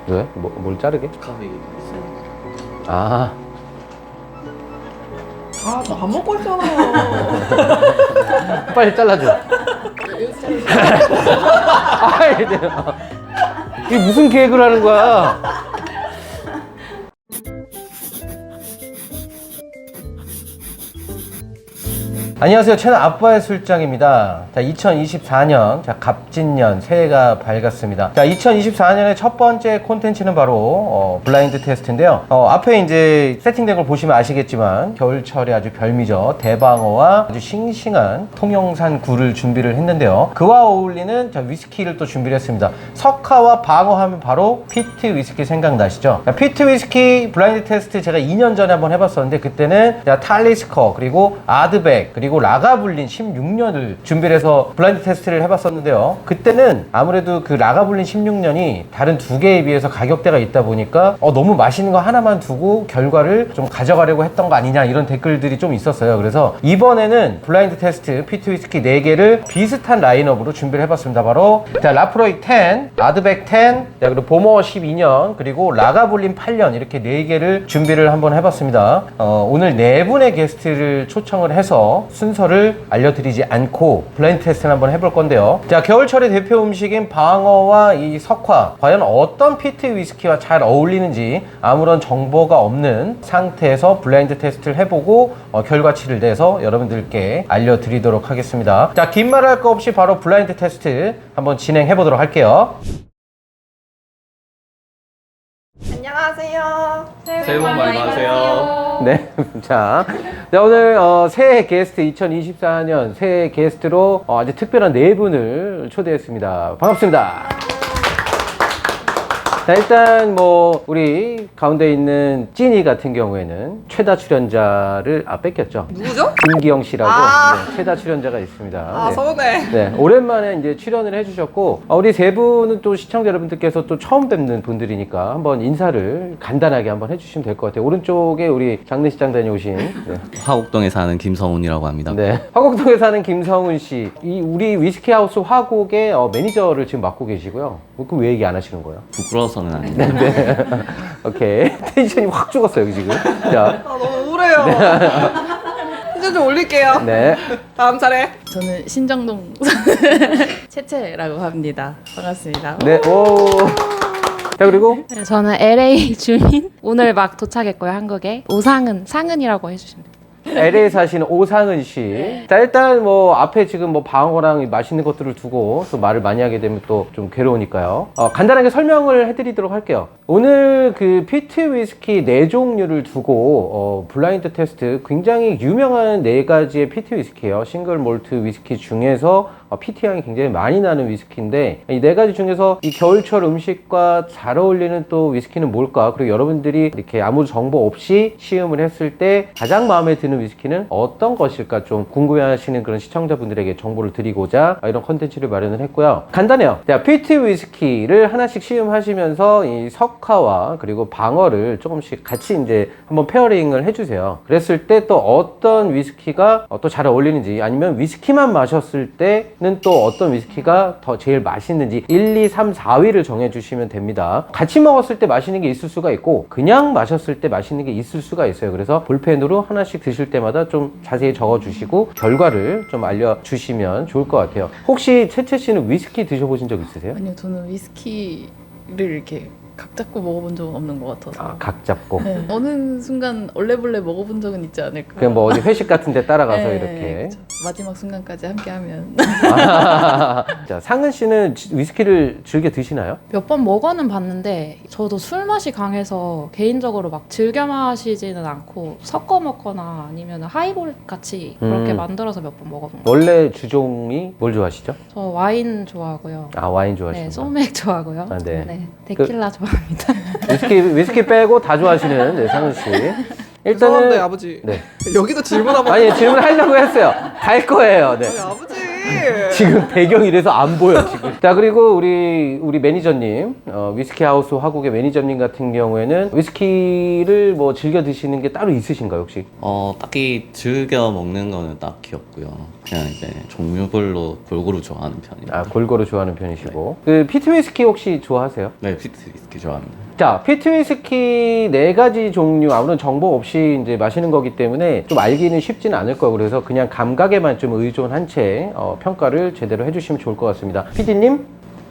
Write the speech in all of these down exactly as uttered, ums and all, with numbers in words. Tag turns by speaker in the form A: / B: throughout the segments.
A: 왜? 뭐, 뭘 자르게?
B: 식감이 있어요.
A: 아.
C: 아, 저 안 먹고 있잖아요.
A: 빨리 잘라줘. 아, 이게 무슨 계획을 하는 거야? 안녕하세요. 채널 아빠의 술장입니다. 자, 이천이십사 년, 자, 갑진년, 새해가 밝았습니다. 자, 이천이십사 년의 첫 번째 콘텐츠는 바로, 어, 블라인드 테스트인데요. 어, 앞에 이제 세팅된 걸 보시면 아시겠지만, 겨울철에 아주 별미죠. 대방어와 아주 싱싱한 통영산 굴을 준비를 했는데요. 그와 어울리는 자, 위스키를 또 준비를 했습니다. 석화와 방어 하면 바로 피트 위스키 생각나시죠? 자, 피트 위스키 블라인드 테스트 제가 이 년 전에 한번 해봤었는데, 그때는 자, 탈리스커, 그리고 아드백, 그리고 라가블린 십육 년을 준비를 해서 블라인드 테스트를 해봤었는데요. 그때는 아무래도 그 라가블린 십육 년이 다른 두 개에 비해서 가격대가 있다 보니까 어, 너무 맛있는 거 하나만 두고 결과를 좀 가져가려고 했던 거 아니냐 이런 댓글들이 좀 있었어요. 그래서 이번에는 블라인드 테스트 피트 위스키 네 개를 비슷한 라인업으로 준비를 해봤습니다. 바로 자, 라프로이 십, 아드백 십, 자, 그리고 보머 십이 년, 그리고 라가블린 팔 년 이렇게 네 개를 준비를 한번 해봤습니다. 어, 오늘 네 분의 게스트를 초청을 해서 순서를 알려드리지 않고 블라인드 테스트를 한번 해볼 건데요. 자, 겨울철의 대표 음식인 방어와 이 석화, 과연 어떤 피트 위스키와 잘 어울리는지 아무런 정보가 없는 상태에서 블라인드 테스트를 해보고 어, 결과치를 내서 여러분들께 알려드리도록 하겠습니다. 자, 긴 말 할 거 없이 바로 블라인드 테스트 한번 진행해 보도록 할게요.
C: 안녕하세요.
B: 새해 복 많이 받으세요.
A: 네, 자, 자 오늘 어, 새해 게스트 이천이십사 년 새해 게스트로 어, 아주 특별한 네 분을 초대했습니다. 반갑습니다. 자, 일단 뭐 우리 가운데 있는 찐이 같은 경우에는 최다 출연자를 아 뺏겼죠.
C: 누구죠?
A: 김기영 씨라고
C: 아.
A: 네, 최다 출연자가 있습니다.
C: 아,
A: 네.
C: 서운해.
A: 네, 오랜만에 이제 출연을 해주셨고, 어, 우리 세 분은 또 시청자 여러분들께서 또 처음 뵙는 분들이니까 한번 인사를 간단하게 한번 해주시면 될 것 같아요. 오른쪽에 우리 장례식장 다녀오신, 네.
B: 화곡동에 사는 김성훈이라고 합니다.
A: 네. 화곡동에 사는 김성훈 씨. 이 우리 위스키 하우스 화곡의 어, 매니저를 지금 맡고 계시고요. 그럼 왜 얘기 안 하시는 거예요?
B: 부끄러워서는 아닌데.
A: 네. 오케이. 텐션이 확 죽었어요, 여기 지금. 자.
C: 아, 너무 우울해요. 텐션 좀 올릴게요.
A: 네.
C: 다음 차례.
D: 저는 신정동 채채라고 합니다. 반갑습니다.
A: 네. 오. 자, 그리고
D: 네, 저는 엘에이 주민 오늘 막 도착했고요, 한국에. 오상은 상은이라고 해주시면 돼요.
A: 엘에이 사시는 오상은 씨. 자, 일단 뭐 앞에 지금 뭐 방어랑 맛있는 것들을 두고 또 말을 많이 하게 되면 또 좀 괴로우니까요. 어, 간단하게 설명을 해드리도록 할게요. 오늘 그 피트 위스키 네 종류를 두고 어, 블라인드 테스트 굉장히 유명한 네 가지의 피트 위스키예요. 싱글 몰트 위스키 중에서 어, 피트 향이 굉장히 많이 나는 위스키인데 이 네 가지 중에서 이 겨울철 음식과 잘 어울리는 또 위스키는 뭘까? 그리고 여러분들이 이렇게 아무 정보 없이 시음을 했을 때 가장 마음에 드는 위스키는 어떤 것일까 좀 궁금해하시는 그런 시청자분들에게 정보를 드리고자 이런 컨텐츠를 마련을 했고요. 간단해요. 자, 피트 위스키를 하나씩 시음하시면서 이 석화와 그리고 방어를 조금씩 같이 이제 한번 페어링을 해주세요. 그랬을 때 또 어떤 위스키가 또 잘 어울리는지 아니면 위스키만 마셨을 때는 또 어떤 위스키가 더 제일 맛있는지 일, 이, 삼, 사 위를 정해주시면 됩니다. 같이 먹었을 때 맛있는 게 있을 수가 있고 그냥 마셨을 때 맛있는 게 있을 수가 있어요. 그래서 볼펜으로 하나씩 드실 때마다 좀 자세히 적어주시고 결과를 좀 알려주시면 좋을 것 같아요. 혹시 채채 씨는 위스키 드셔보신 적 있으세요?
D: 아니요, 저는 위스키를 이렇게 각 잡고 먹어본 적은 없는 것 같아서.
A: 아, 각 잡고.
D: 네, 어느 순간 얼레벌레 먹어본 적은 있지 않을까.
A: 그냥 뭐 어디 회식 같은 데 따라가서
D: 네,
A: 이렇게.
D: 그쵸. 마지막 순간까지 함께하면.
A: 아, 자, 상은 씨는 지- 위스키를 즐겨 드시나요?
E: 몇 번 먹어는 봤는데 저도 술 맛이 강해서 개인적으로 막 즐겨 마시지는 않고 섞어 먹거나 아니면 하이볼 같이 그렇게
A: 음.
E: 만들어서 몇 번 먹어본 거예요.
A: 원래 주종이 뭘 좋아하시죠?
E: 저 와인 좋아하고요.
A: 아, 와인
E: 네,
A: 좋아하시구나.
E: 소맥 좋아하고요.
A: 아, 네.
E: 데킬라 좋아합니다.
A: 위스키, 위스키 빼고 다 좋아하시는 네, 상은 씨.
C: 죄송한데
A: 일단은
C: 아버지.
A: 네.
C: 여기도 질문 한번.
A: 아니 질문하려고 했어요. 갈 거예요. 네.
C: 아니, 아버지.
A: 지금 배경이 이래서 안 보여 지금. 자 그리고 우리 우리 매니저님 어, 위스키 하우스 화국의 매니저님 같은 경우에는 위스키를 뭐 즐겨 드시는 게 따로 있으신가요 혹시?
B: 어, 딱히 즐겨 먹는 거는 딱히 없고요. 그냥 이제 종류별로 골고루 좋아하는 편입니다.
A: 아 골고루 좋아하는 편이시고 그 피트 위스키 혹시 좋아하세요?
B: 네, 피트 위스키 좋아합니다.
A: 자, 피트 위스키 네 가지 종류 아무런 정보 없이 이제 마시는 거기 때문에 좀 알기는 쉽지는 않을 거고 그래서 그냥 감각에만 좀 의존한 채 어, 평가를 제대로 해주시면 좋을 것 같습니다. 피디님?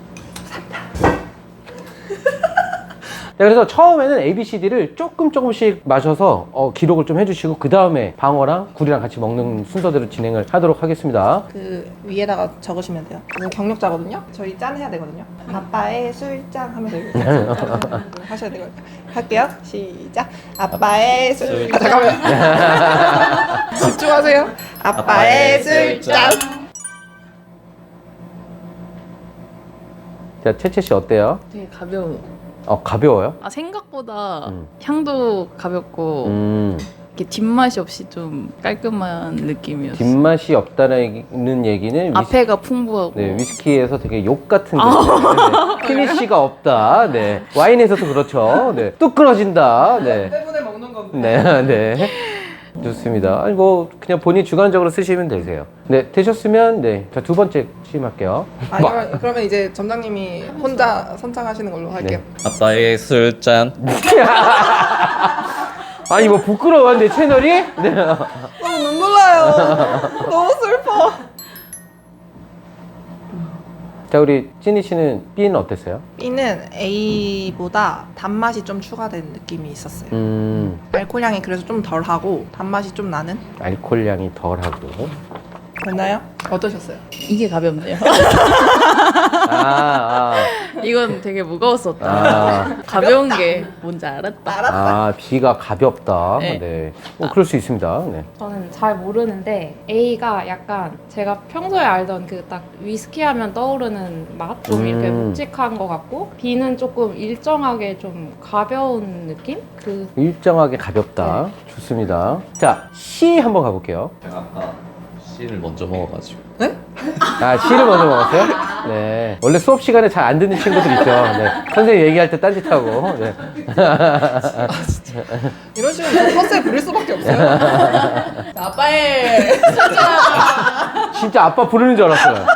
A: 네, 그래서 처음에는 에이 비 씨 디를 조금 조금씩 마셔서 어, 기록을 좀 해주시고 그 다음에 방어랑 굴이랑 같이 먹는 순서대로 진행을 하도록 하겠습니다.
C: 그 위에다가 적으시면 돼요. 이거 경력자거든요. 저희 짠 해야 되거든요. 아빠의 술잔 하면서 이거 하셔야 되거든요. 할게요. 시작. 아빠의 술. 아, 잠깐만요. 집중하세요. 아빠의 술잔.
A: 자, 채채 씨 어때요?
F: 되게 가벼워.
A: 어, 가벼워요?
F: 아 생각보다
A: 음.
F: 향도 가볍고
A: 음,
F: 이렇게 뒷맛이 없이 좀 깔끔한 느낌이었어.
A: 뒷맛이 없다는 얘기는 위스,
F: 앞에가 풍부하고.
A: 네, 위스키에서 되게 욕 같은 거. 네, 피니쉬가 없다. 네. 와인에서도 그렇죠. 네. 뚝 끊어진다. 네.
C: 때문에 먹는 건데.
A: 네, 네. 좋습니다. 아니, 뭐, 그냥 본인 주관적으로 쓰시면 되세요. 네, 되셨으면, 네. 자, 두 번째 시음할게요.
C: 아, 그러면, 그러면 이제 점장님이 혼자 선창하시는 걸로 할게요.
B: 아빠의 술잔.
A: 아니, 뭐, 부끄러워, 내 채널이? 네.
C: 너무 눈물 나요. 너무 슬퍼.
A: 자, 우리 찐이 씨는 B는 어땠어요?
C: B는 A보다 단맛이 좀 추가된 느낌이 있었어요.
A: 음,
C: 알코올 향이 그래서 좀 덜하고 단맛이 좀 나는?
A: 알코올 향이 덜하고.
C: 됐나요? 어떠셨어요?
F: 이게 가볍네요.
A: 아,
F: 이건 되게 무거웠었다.
A: 아.
F: 가벼운 게 뭔지 알았다.
A: 아, B가 가볍다. 네.
F: 네.
A: 뭐, 그럴 수 있습니다. 네.
E: 저는 잘 모르는데 A가 약간 제가 평소에 알던 그 딱 위스키 하면 떠오르는 맛? 좀 이렇게
A: 음.
E: 묵직한 것 같고 B는 조금 일정하게 좀 가벼운 느낌? 그
A: 일정하게 가볍다. 좋습니다. 자, C 한번 가볼게요.
B: 제가 아까 씨를 먼저 먹어가지고.
A: 아, C를 먼저 먹었어요? 네. 원래 수업 시간에 잘 안 듣는 친구들 있죠. 네. 선생님 얘기할 때 딴짓하고. 네.
C: 이런 식으로 헛세 부릴 수밖에 없어요. 아빠의
A: 진짜 아빠 부르는 줄 알았어요.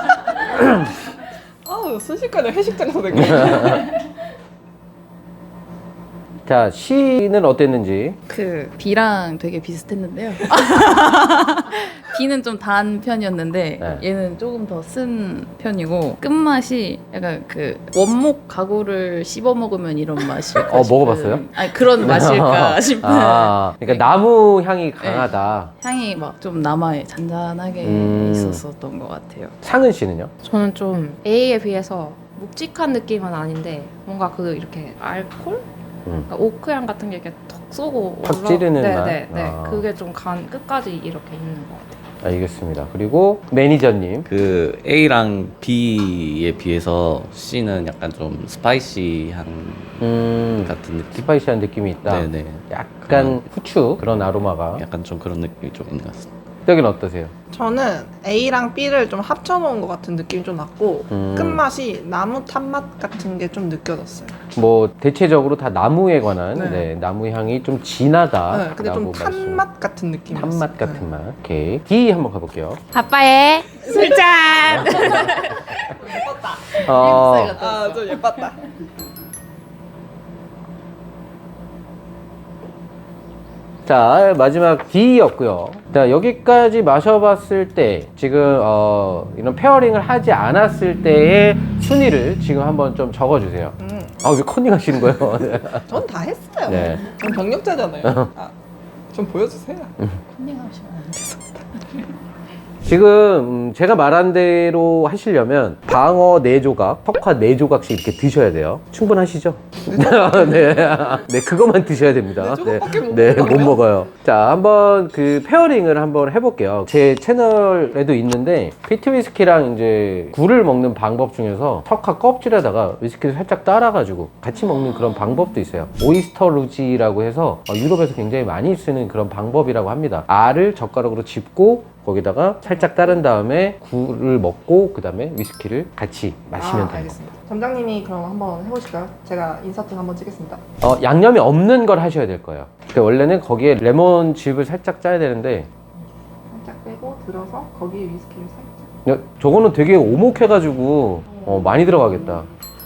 C: 아우 순식간에 회식장에서 느낌.
A: 자, C는 어땠는지.
F: 그 B랑 되게 비슷했는데요. B는 좀 단 편이었는데
A: 네.
F: 얘는 조금 더 쓴 편이고 끝맛이 약간 그 원목 가구를 씹어 먹으면 이런 맛일까
A: 어,
F: 싶은,
A: 먹어봤어요?
F: 아니 그런 맛일까 싶은
A: 아, 그러니까 나무 향이 강하다.
F: 향이 막 좀 남아 잔잔하게
A: 음.
F: 있었었던 것 같아요.
A: 상은 씨는요?
E: 저는 좀 A에 비해서 묵직한 느낌은 아닌데 뭔가 그 이렇게 알콜?
A: 음.
E: 그러니까 오크향 같은 게 이렇게 톡 쏘고
A: 탁 찌르는
E: 네,
A: 맛?
E: 네, 네.
A: 아.
E: 그게 좀 간 끝까지 이렇게 있는 것 같아요.
A: 알겠습니다. 그리고 매니저님.
B: 그 A랑 B에 비해서 C는 약간 좀 스파이시한
A: 음,
B: 같은 느낌.
A: 스파이시한 느낌이 있다.
B: 네네.
A: 약간 후추 그런 아로마가.
B: 약간 좀 그런 느낌이 좀 있는 것 같습니다.
A: 여기는 어떠세요?
C: 저는 A랑 B를 좀 합쳐놓은 것 같은 느낌이 좀 났고
A: 음.
C: 끝맛이 나무 탄맛 같은 게 좀 느껴졌어요.
A: 뭐 대체적으로 다 나무에 관한
C: 네.
A: 네, 나무 향이 좀 진하다.
C: 네, 근데 좀 탄맛 같은 느낌이었어요.
A: 탄맛 같은 맛. 오케이. D 한번 가볼게요.
E: 아빠의 술잔!
A: 어,
C: 아, 좀 예뻤다.
A: 자, 마지막 D였고요. 자, 여기까지 마셔봤을 때 지금 어, 이런 페어링을 하지 않았을 때의 순위를 지금 한번 좀 적어주세요.
C: 음,
A: 아, 왜 컨닝 하시는 거예요?
C: 전 다 했어요.
A: 네.
C: 전 경력자잖아요. 아, 좀 보여주세요.
F: 컨닝하시면 안 돼서.
A: 지금 음, 제가 말한 대로 하시려면 방어 네 조각, 석화 네 조각씩 이렇게 드셔야 돼요. 충분하시죠? 네, 네 그것만 드셔야 됩니다.
C: 네 조각밖에 못
A: 네,
C: 먹어요?
A: 못 먹어요. 자, 한번 그 페어링을 한번 해볼게요. 제 채널에도 있는데 피트 위스키랑 이제 굴을 먹는 방법 중에서 석화 껍질에다가 위스키를 살짝 따라가지고 같이 먹는 그런 방법도 있어요. 오이스터 루지라고 해서 어, 유럽에서 굉장히 많이 쓰는 그런 방법이라고 합니다. 알을 젓가락으로 짚고 거기다가 살짝 따른 다음에 굴을 먹고 그 다음에 위스키를 같이 마시면
C: 아,
A: 되는 겁니다.
C: 알겠습니다. 점장님이 그럼 한번 해보실까요? 제가 인서트 한번 찍겠습니다.
A: 어, 양념이 없는 걸 하셔야 될 거예요. 그러니까 원래는 거기에 레몬즙을 살짝 짜야 되는데
C: 살짝 빼고 들어서 거기에 위스키를 살짝.
A: 야, 저거는 되게 오목해가지고 어, 많이 들어가겠다.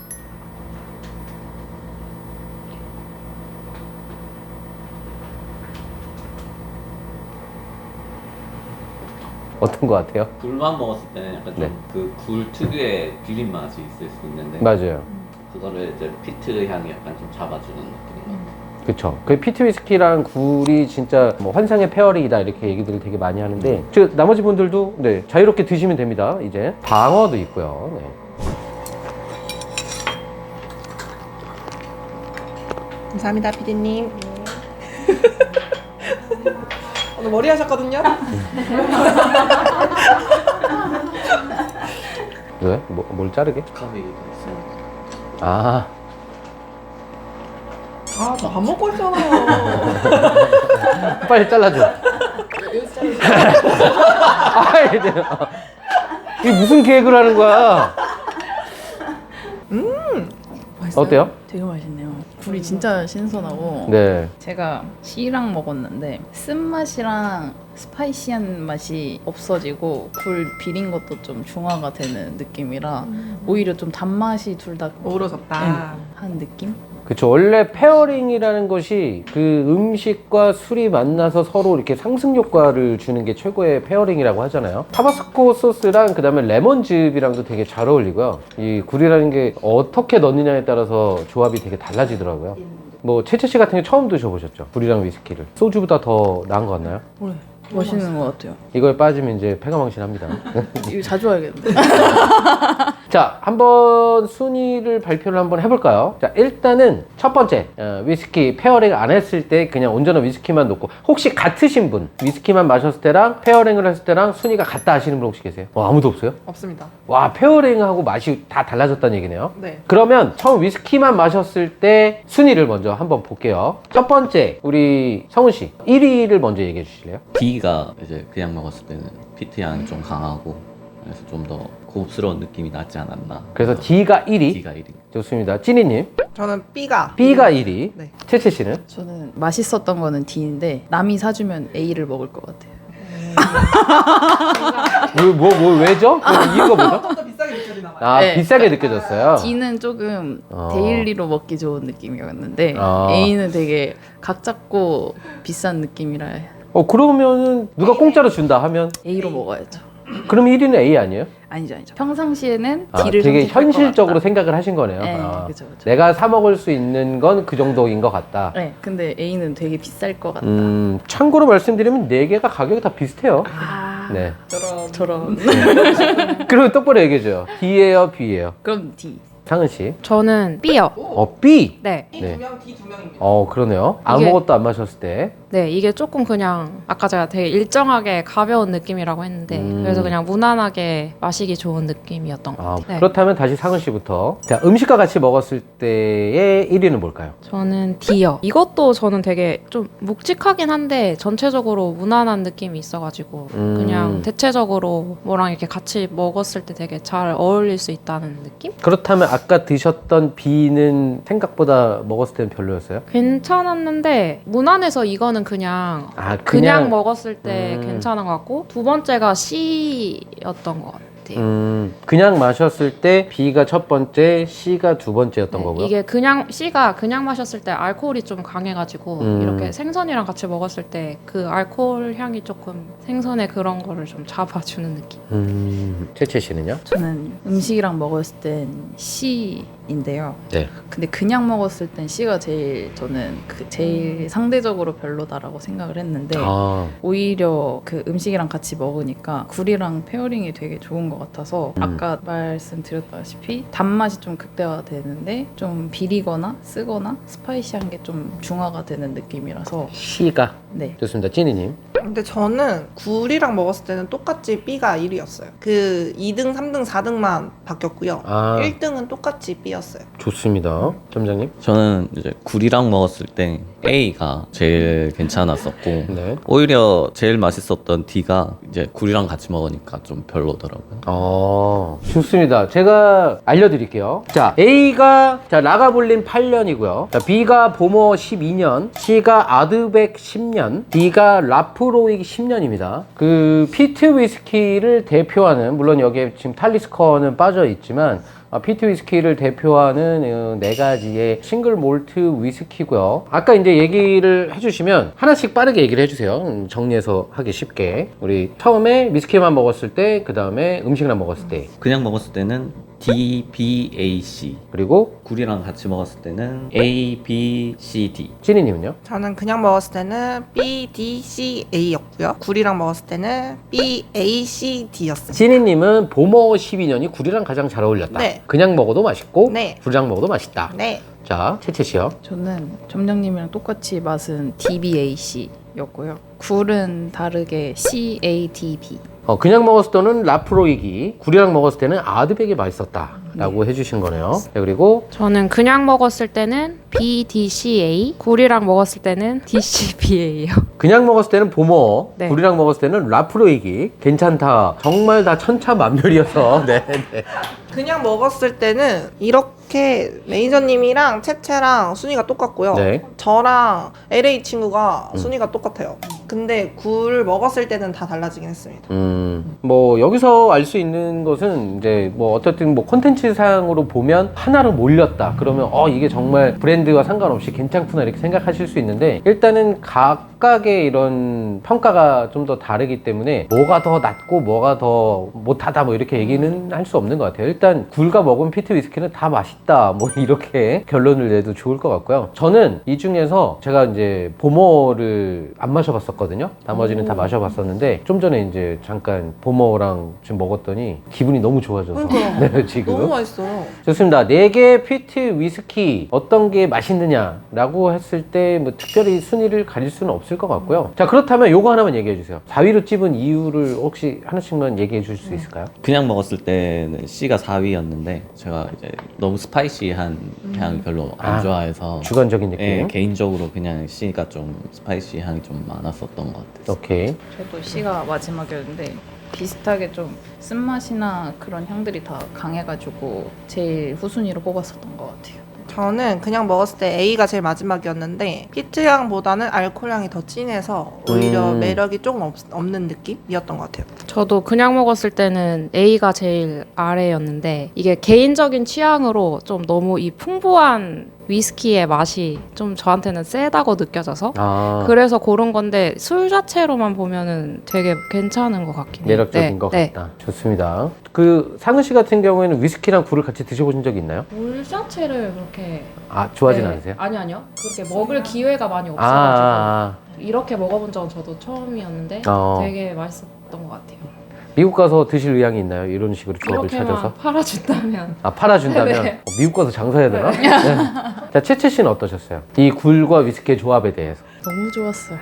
A: 어떤 거 같아요?
B: 굴만 먹었을 때는 약간
A: 네.
B: 좀 그 굴 특유의 비린 맛이 있을 수 있는데
A: 맞아요.
B: 그거를 이제 피트 향이 약간 좀 잡아주는 느낌인 것 같아요.
A: 그쵸. 그 피트 위스키랑 굴이 진짜 뭐 환상의 페어링이다 이렇게 얘기들을 되게 많이 하는데 저 나머지 분들도 네, 자유롭게 드시면 됩니다. 이제 방어도 있고요. 네.
C: 감사합니다, 피디님. 오늘 머리 하셨거든요?
A: 왜? 뭐, 뭘 자르게?
B: 감이 있어요.
A: 아,
C: 아, 저 밥 먹고 있잖아요.
A: 빨리 잘라줘. 아, 이제 이게 무슨 계획을 하는 거야?
F: 맛있어요?
A: 어때요?
F: 되게 맛있네요. 굴이 진짜 신선하고
A: 네.
F: 제가 씨랑 먹었는데 쓴맛이랑 스파이시한 맛이 없어지고 굴 비린 것도 좀 중화가 되는 느낌이라 오히려 좀 단맛이 둘 다
C: 어우러졌다.
F: 한 느낌?
A: 그쵸. 원래 페어링이라는 것이 그 음식과 술이 만나서 서로 이렇게 상승 효과를 주는 게 최고의 페어링이라고 하잖아요. 타바스코 소스랑 그 다음에 레몬즙이랑도 되게 잘 어울리고요. 이 굴이라는 게 어떻게 넣느냐에 따라서 조합이 되게 달라지더라고요. 뭐 채채 씨 같은 경우 처음 드셔보셨죠? 굴이랑 위스키를. 소주보다 더 나은 것 같나요?
F: 네. 맛있는 것 같아요.
A: 이거에 빠지면 이제 패가망신합니다.
F: 이거 자주 하겠는데.
A: 자, 한번 순위를 발표를 한번 해볼까요? 자, 일단은 첫 번째 어, 위스키 페어링 안 했을 때 그냥 온전한 위스키만 놓고 혹시 같으신 분 위스키만 마셨을 때랑 페어링을 했을 때랑 순위가 같다 하시는 분 혹시 계세요? 어, 아무도 없어요?
C: 없습니다.
A: 와, 페어링하고 맛이 다 달라졌다는 얘기네요.
C: 네.
A: 그러면 처음 위스키만 마셨을 때 순위를 먼저 한번 볼게요. 첫 번째 우리 성훈 씨 일 위를 먼저 얘기해 주실래요?
B: D가 이제 그냥 먹었을 때는 피트 향이 좀 강하고 그래서 좀 더 고급스러운 느낌이 나지 않았나.
A: 그래서 D가 일 위.
B: D가 일 위.
A: 좋습니다. 찐이님
C: 저는 B가.
A: B가 일 위.
C: 네.
A: 채채 씨는?
F: 저는 맛있었던 거는 D인데 남이 사주면 A를 먹을 것 같아요.
A: 뭐, 뭐, 뭐 왜죠? 그 이유가 뭐죠?
C: 좀 더 비싸게 느껴지나 봐요.
A: 아,
F: 네.
A: 비싸게 느껴졌어요.
F: D는 조금
A: 어.
F: 데일리로 먹기 좋은 느낌이었는데
A: 어.
F: A는 되게 각 잡고 비싼 느낌이라
A: 어, 그러면은 누가 공짜로 준다 하면
F: A로 먹어야죠.
A: 그럼 일 위는 A 아니에요?
F: 아니죠, 아니죠. 평상시에는
A: 아,
F: D를
A: 되게
F: 선택할 것
A: 현실적으로
F: 같다.
A: 생각을 하신 거네요.
F: 네,
A: 아,
F: 그죠, 그죠.
A: 내가 사 먹을 수 있는 건 그 정도인 것 같다.
F: 네, 근데 A는 되게 비쌀 것 같다.
A: 음, 참고로 말씀드리면 네 개가 가격이 다 비슷해요.
F: 아,
A: 네.
C: 저런.
F: 저런.
A: 그리고 똑바로 얘기해줘요. D예요, B예요?
F: 그럼 D.
A: 상은 씨.
D: 저는 B요.
A: 어, B.
D: 네.
C: B
A: 네.
C: 두 명, D 두 명입니다.
A: 어, 그러네요.
D: 이게-
A: 아무것도 안 마셨을 때.
D: 네, 이게 조금 그냥 아까 제가 되게 일정하게 가벼운 느낌이라고 했는데
A: 음.
D: 그래서 그냥 무난하게 마시기 좋은 느낌이었던 것
A: 아,
D: 같아요. 네.
A: 그렇다면 다시 상은 씨부터. 자, 음식과 같이 먹었을 때의 일 위는 뭘까요?
D: 저는 D요. 이것도 저는 되게 좀 묵직하긴 한데 전체적으로 무난한 느낌이 있어가지고
A: 음.
D: 그냥 대체적으로 뭐랑 이렇게 같이 먹었을 때 되게 잘 어울릴 수 있다는 느낌?
A: 그렇다면 아까 드셨던 B는 생각보다 먹었을 때는 별로였어요?
D: 괜찮았는데 무난해서 이거는 그냥
A: 아,
D: 그냥, 먹었을 때
A: 음.
D: 괜찮은 것 같고 두 번째가 C였던 것 같아요.
A: 음, 그냥 마셨을 때 B가 첫 번째, C가 두 번째였던
D: 네,
A: 거고요.
D: 이게 그냥 C가 그냥 마셨을 때 알코올이 좀 강해가지고
A: 음.
D: 이렇게 생선이랑 같이 먹었을 때 그 알코올 향이 조금 생선의 그런 거를 좀 잡아주는 느낌.
A: 음, 채채 씨는요?
F: 저는 음식이랑 먹었을 땐 C인데요.
A: 네.
F: 근데 그냥 먹었을 땐 C가 제일 저는 그 제일 상대적으로 별로다라고 생각을 했는데
A: 아,
F: 오히려 그 음식이랑 같이 먹으니까 굴이랑 페어링이 되게 좋은 것 같아서
A: 음.
F: 아까 말씀드렸다시피 단맛이 좀 극대화되는데 좀 비리거나 쓰거나 스파이시한 게 좀 중화가 되는 느낌이라서
A: C가.
F: 네.
A: 좋습니다. 찐이님.
C: 근데 저는 굴이랑 먹었을 때는 똑같이 B가 일 위였어요. 그 이 등, 삼 등, 사 등만 바뀌었고요.
A: 아.
C: 일 등은 똑같이 B였어요. B였어요.
A: 좋습니다. 점장님.
B: 저는 이제 굴이랑 먹었을 때 A가 제일 괜찮았었고
A: 네.
B: 오히려 제일 맛있었던 D가 이제 굴이랑 같이 먹으니까 좀 별로더라고요.
A: 어, 좋습니다. 제가 알려드릴게요. 자, A가 자 라가볼린 팔 년이고요. 자, B가 보머 십이 년, C가 아드백 십 년, D가 라프로익 십 년입니다. 그 피트 위스키를 대표하는, 물론 여기에 지금 탈리스커는 빠져 있지만 아, 피트 위스키를 대표하는 어, 네 가지의 싱글 몰트 위스키고요. 아까 이제 얘기를 해주시면 하나씩 빠르게 얘기를 해주세요. 음, 정리해서 하기 쉽게. 우리 처음에 위스키만 먹었을 때, 그 다음에 음식이랑 먹었을 때,
B: 그냥 먹었을 때는 D, B, A, C.
A: 그리고
B: 굴이랑 같이 먹었을 때는 A, B, C, D.
A: 찌니님은요?
C: 저는 그냥 먹었을 때는 B, D, C, A였고요. 굴이랑 먹었을 때는 B, A, C, D였어요.
A: 찌니님은 보머 십이 년이 굴이랑 가장 잘 어울렸다.
C: 네.
A: 그냥 먹어도 맛있고
C: 네.
A: 굴이랑 먹어도 맛있다.
C: 네.
A: 자, 채채씨요.
F: 저는 점장님이랑 똑같이 맛은 디 비 에이 씨였고요. 굴은 다르게 씨 에이 디 비.
A: 어, 그냥 먹었을 때는 라프로이기, 굴이랑 먹었을 때는 아드백이 맛있었다 라고 해주신 거네요. 네, 그리고
D: 저는 그냥 먹었을 때는 비 디 씨 에이, 굴이랑 먹었을 때는 디 씨 비 에이요.
A: 그냥 먹었을 때는 보머,
D: 네.
A: 굴이랑 먹었을 때는 라프로이기. 괜찮다. 정말 다 천차만별이어서. 네, 네.
C: 그냥 먹었을 때는 이렇게 매니저님이랑 채채랑 순위가 똑같고요.
A: 네.
C: 저랑 엘에이 친구가
A: 음.
C: 순위가 똑같아요. 근데 굴 먹었을 때는 다 달라지긴 했습니다.
A: 음, 뭐 여기서 알 수 있는 것은 이제 뭐 어쨌든 뭐 콘텐츠 상으로 보면 하나로 몰렸다 그러면 어 이게 정말 브랜드와 상관없이 괜찮구나 이렇게 생각하실 수 있는데, 일단은 각각의 이런 평가가 좀 더 다르기 때문에 뭐가 더 낫고 뭐가 더 못하다 뭐 이렇게 얘기는 할 수 없는 것 같아요. 일단 굴과 먹은 피트 위스키는 다 맛있다 뭐 이렇게 결론을 내도 좋을 것 같고요. 저는 이 중에서 제가 이제 보머를 안 마셔봤었거든요. 나머지는 다 마셔봤었는데 좀 전에 이제 잠깐 보머랑 지금 먹었더니 기분이 너무 좋아져서
C: 그러니까요.
A: 네, 지금
C: 너무 맛있어요.
A: 좋습니다. 네 개 피트 위스키 어떤 게 맛있느냐라고 했을 때 뭐 특별히 순위를 가릴 수는 없을 것 같고요. 자, 그렇다면 요거 하나만 얘기해 주세요. 사 위로 찝은 이유를 혹시 하나씩만 얘기해 주실 수 있을까요?
B: 그냥 먹었을 때는 C가 사 위였는데 제가 이제 너무 스파이시한 향을 별로 안
A: 아,
B: 좋아해서
A: 주관적인 느낌.
B: 예, 개인적으로 그냥 C가 좀 스파이시 향이 좀 많았었던 것 같아요.
A: 오케이.
F: 저도 C가 마지막이었는데 비슷하게 좀 쓴맛이나 그런 향들이 다 강해가지고 제일 후순위로 뽑았었던 것 같아요.
C: 저는 그냥 먹었을 때 A가 제일 마지막이었는데 피트향보다는 알코올향이 더 진해서 오히려
A: 음.
C: 매력이 조금 없, 없는 느낌이었던 것 같아요.
D: 저도 그냥 먹었을 때는 A가 제일 아래였는데 이게 개인적인 취향으로 좀 너무 이 풍부한 위스키의 맛이 좀 저한테는 세다고 느껴져서
A: 아,
D: 그래서 고른 건데 술 자체로만 보면은 되게 괜찮은 것 같긴 해요.
A: 매력적인
D: 네,
A: 것
D: 네.
A: 같다. 좋습니다. 그 상은 씨 같은 경우에는 위스키랑 굴을 같이 드셔보신 적이 있나요?
D: 물 자체를 그렇게
A: 아, 좋아하진
D: 네.
A: 않으세요?
D: 아니 아니요. 그렇게 먹을 기회가 많이
A: 아,
D: 없어가지고
A: 아,
D: 이렇게 먹어본 적은 저도 처음이었는데
A: 어.
D: 되게 맛있었던 것 같아요.
A: 미국 가서 드실 의향이 있나요? 이런 식으로 조합을
D: 이렇게만
A: 찾아서?
D: 팔아준다면
A: 아, 팔아준다면?
D: 네.
A: 어, 미국 가서 장사해야 되나? 네. 자, 채채 씨는 어떠셨어요? 이 굴과 위스키의 조합에 대해서.
F: 너무 좋았어요.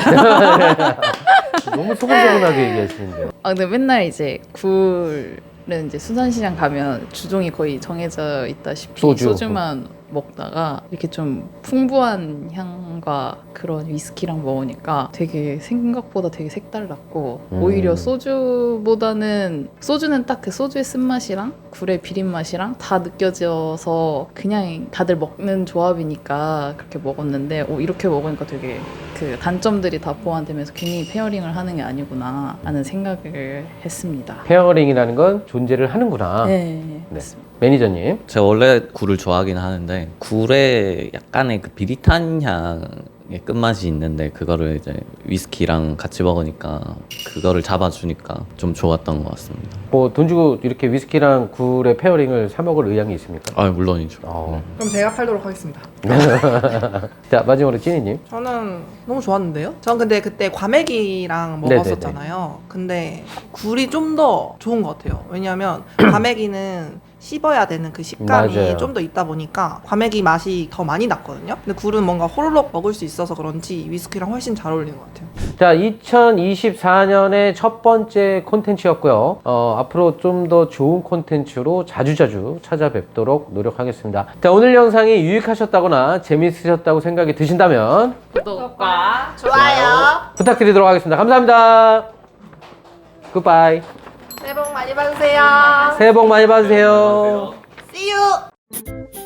A: 너무 소근소근하게 얘기하시는데요.
F: 아 근데 맨날 이제 굴은 이제 수산시장 가면 주종이 거의 정해져 있다시피
A: 소주.
F: 소주만 먹다가 이렇게 좀 풍부한 향과 그런 위스키랑 먹으니까 되게 생각보다 되게 색달랐고
A: 음.
F: 오히려 소주보다는 소주는 딱 그 소주의 쓴맛이랑 굴의 비린 맛이랑 다 느껴져서 그냥 다들 먹는 조합이니까 그렇게 먹었는데 오, 이렇게 먹으니까 되게 그 단점들이 다 보완되면서 괜히 페어링을 하는 게 아니구나 라는 생각을 했습니다.
A: 페어링이라는 건 존재를 하는구나.
F: 네,
A: 네.
F: 맞습니다.
A: 매니저님.
B: 제가 원래 굴을 좋아하긴 하는데 굴에 약간의 그 비릿한 향의 끝맛이 있는데 그거를 이제 위스키랑 같이 먹으니까 그거를 잡아주니까 좀 좋았던 것 같습니다.
A: 뭐 돈 주고 이렇게 위스키랑 굴의 페어링을 사 먹을 의향이 있습니까?
B: 아 물론이죠.
A: 어.
C: 그럼 제가 팔도록 하겠습니다.
A: 자, 마지막으로 찐이님.
C: 저는 너무 좋았는데요? 전 근데 그때 과메기랑
A: 네네네.
C: 먹었었잖아요. 근데 굴이 좀 더 좋은 것 같아요. 왜냐하면 과메기는 씹어야 되는 그 식감이
A: 맞아요.
C: 좀 더 있다 보니까 과메기 맛이 더 많이 났거든요. 근데 굴은 뭔가 호로록 먹을 수 있어서 그런지 위스키랑 훨씬 잘 어울리는 것 같아요.
A: 자, 이천이십사 년의 첫 번째 콘텐츠였고요. 어, 앞으로 좀 더 좋은 콘텐츠로 자주자주 찾아뵙도록 노력하겠습니다. 자, 오늘 영상이 유익하셨다거나 재밌으셨다고 생각이 드신다면
E: 구독과
C: 좋아요.
A: 부탁드리도록 하겠습니다. 감사합니다. 굿바이.
C: 새해 복 많이 받으세요.
A: 새해 복 많이 받으세요.
C: See you.